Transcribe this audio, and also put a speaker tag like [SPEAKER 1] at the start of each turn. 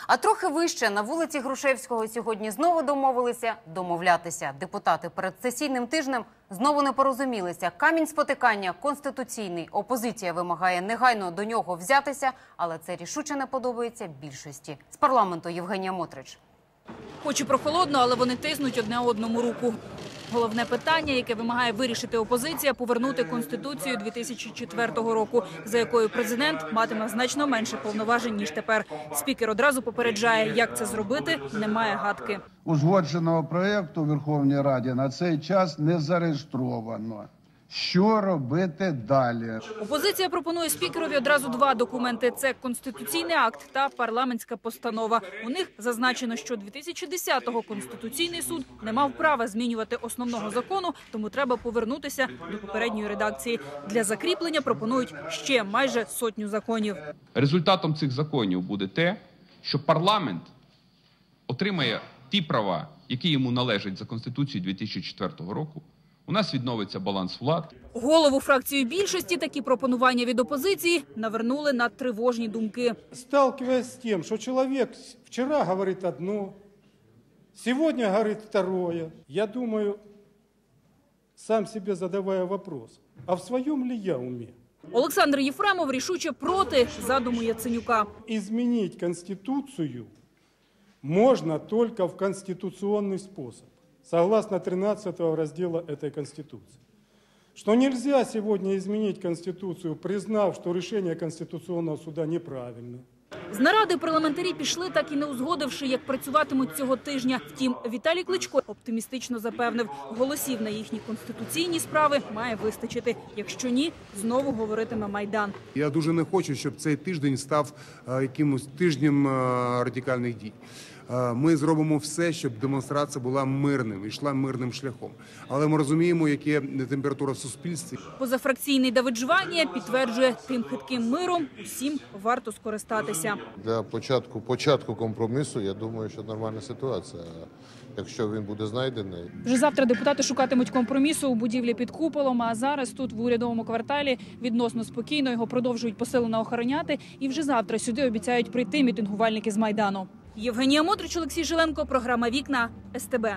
[SPEAKER 1] А трохи вище на вулиці Грушевського сьогодні знову домовилися домовлятися. Депутати перед сесійним тижнем знову не порозумілися. Камінь спотикання конституційний. Опозиція вимагає негайно до нього взятися, але це рішуче не подобається більшості. З парламенту Євгенія Мотрич.
[SPEAKER 2] Хоч і прохолодно, але вони тиснуть одне одному руку. Головне питання, яке вимагає вирішити опозиція – повернути Конституцію 2004 року, за якою президент матиме значно менше повноважень, ніж тепер. Спікер одразу попереджає, як це зробити, немає гадки.
[SPEAKER 3] Узгодженого проєкту у Верховній Раді на цей час не зареєстровано. Що робити далі?
[SPEAKER 2] Опозиція пропонує спікерові одразу два документи – це Конституційний акт та парламентська постанова. У них зазначено, що 2010-го Конституційний суд не мав права змінювати основного закону, тому треба повернутися до попередньої редакції. Для закріплення пропонують ще майже сотню законів.
[SPEAKER 4] Результатом цих законів буде те, що парламент отримає ті права, які йому належать за Конституцією 2004 року. У нас відновиться баланс влад.
[SPEAKER 2] Голову фракції більшості такі пропонування від опозиції навернули на тривожні думки.
[SPEAKER 5] Сталкиваясь с тем, что человек вчера говорит одно, сегодня говорит второе, я думаю, сам себе задавая вопрос, а в своем ли я уме?
[SPEAKER 2] Олександр Єфремов рішуче проти задуму Яценюка.
[SPEAKER 5] Изменить Конституцию можно только в конституционный способ, согласно 13 раздела этой Конституции. Что нельзя сегодня изменить Конституцию, признав, что решение Конституционного суда неправильно.
[SPEAKER 2] З наради парламентарі пішли, так і не узгодивши, як працюватимуть цього тижня. Втім, Віталій Кличко оптимістично запевнив, голосів на їхні конституційні справи має вистачити. Якщо ні, знову говоритиме Майдан.
[SPEAKER 6] Я дуже не хочу, щоб цей тиждень став якимось тижнем радикальних дій. Ми зробимо все, щоб демонстрація була мирним, йшла мирним шляхом. Але ми розуміємо, яка температура в суспільстві.
[SPEAKER 2] Позафракційний Давид Жванія підтверджує, тим хитким миром усім варто скористатися.
[SPEAKER 7] Для початку компромісу, я думаю, що нормальна ситуація. Якщо він буде знайдений.
[SPEAKER 8] Вже завтра депутати шукатимуть компромісу у будівлі під куполом, а зараз тут в урядовому кварталі відносно спокійно його продовжують посилено охороняти. І вже завтра сюди обіцяють прийти мітингувальники з Майдану.
[SPEAKER 2] Євгенія Мотрич, Олексій Жиленко, програма «Вікна», СТБ.